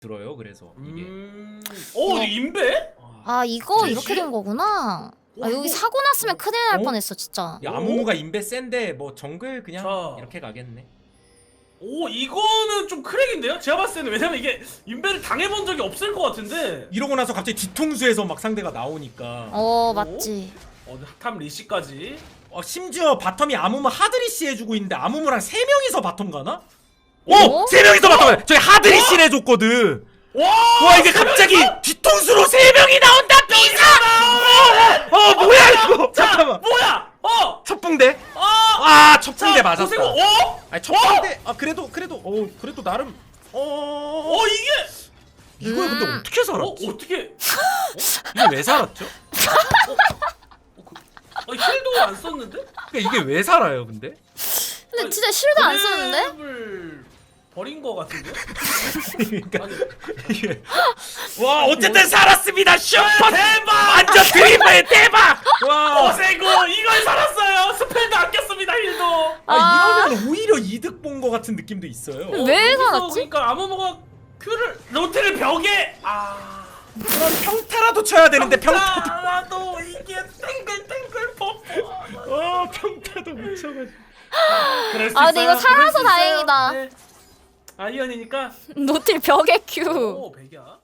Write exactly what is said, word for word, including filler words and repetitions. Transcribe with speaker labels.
Speaker 1: 들어요. 그래서 이게
Speaker 2: 음... 오, 어, 인베?
Speaker 3: 아 이거
Speaker 2: 그치?
Speaker 3: 이렇게 된 거구나. 아 여기
Speaker 2: 이거-
Speaker 3: 사고 났으면 큰일 날
Speaker 1: 어?
Speaker 3: 뻔했어 진짜.
Speaker 1: 야, 아무무가 인베 센데 뭐 정글 그냥
Speaker 2: 자.
Speaker 1: 이렇게 가겠네.
Speaker 2: 오, 이거는 좀 크랙인데요? 제가 봤을 때는 왜냐면 이게 인베를 당해본 적이 없을 것 같은데.
Speaker 1: 이러고 나서 갑자기 뒤통수에서 막 상대가 나오니까
Speaker 3: 어 맞지.
Speaker 2: 어, 탑 리시까지.
Speaker 1: 어, 심지어 바텀이 아무무 하드리시 해주고 있는데 아무무랑 세 명이서 바텀 가나?
Speaker 3: 어?
Speaker 1: 오! 세 명이서 바텀 가네! 저기 하드리시 해줬거든!
Speaker 2: 와!
Speaker 1: 와 이게 갑자기 뒤통수로 세 명이 나온다! 비사! 어, 어 뭐야 이거!
Speaker 2: 자,
Speaker 1: 잠깐만!
Speaker 2: 뭐야? 어!
Speaker 1: 첫 붕대?
Speaker 2: 어!
Speaker 1: 아! 첫 붕대
Speaker 2: 자,
Speaker 1: 맞았다.
Speaker 2: 보세요. 어?
Speaker 1: 아니 첫 붕대 아 그래도 그래도 어 그래도 나름 어
Speaker 2: 어, 이게
Speaker 1: 이거에 근데
Speaker 3: 음.
Speaker 1: 어떻게
Speaker 2: 어,
Speaker 1: 살았지?
Speaker 2: 어떻게
Speaker 1: 이게 왜 살았죠?
Speaker 2: 어, 그, 아, 힐도 안 썼는데?
Speaker 1: 그러니까 이게 왜 살아요 근데?
Speaker 3: 근데 진짜 실드 안 썼는데?
Speaker 2: 을 버린 거 같은데?
Speaker 1: 그러니까
Speaker 2: 아니,
Speaker 1: 이게 와 어쨌든 살았습니다 슈퍼
Speaker 2: 대박!
Speaker 1: 완전 드리블 대박 와
Speaker 2: 오세고 이걸 살았어요. 스펠도 아꼈습니다. 힐도.
Speaker 1: 아, 이러면 오히려 이득 본 거 같은 느낌도 있어요.
Speaker 3: 음. 왜
Speaker 2: 여기서
Speaker 3: 살았지?
Speaker 2: 그러니까 아무모가 큐를 로테를 벽에 아
Speaker 1: 그럼 평타라도 쳐야 되는데 평타도
Speaker 2: 평타라도 이게 땡글땡글 버프.
Speaker 1: 어 평타도 못 쳐가지고
Speaker 2: 그럴 수
Speaker 3: 아, 근데
Speaker 2: 있어요.
Speaker 3: 이거 살아서
Speaker 2: 그럴 수 있어요.
Speaker 3: 다행이다.
Speaker 2: 네. 아이언이니까.
Speaker 3: 노틸 벽에 큐.
Speaker 2: 오 백이야.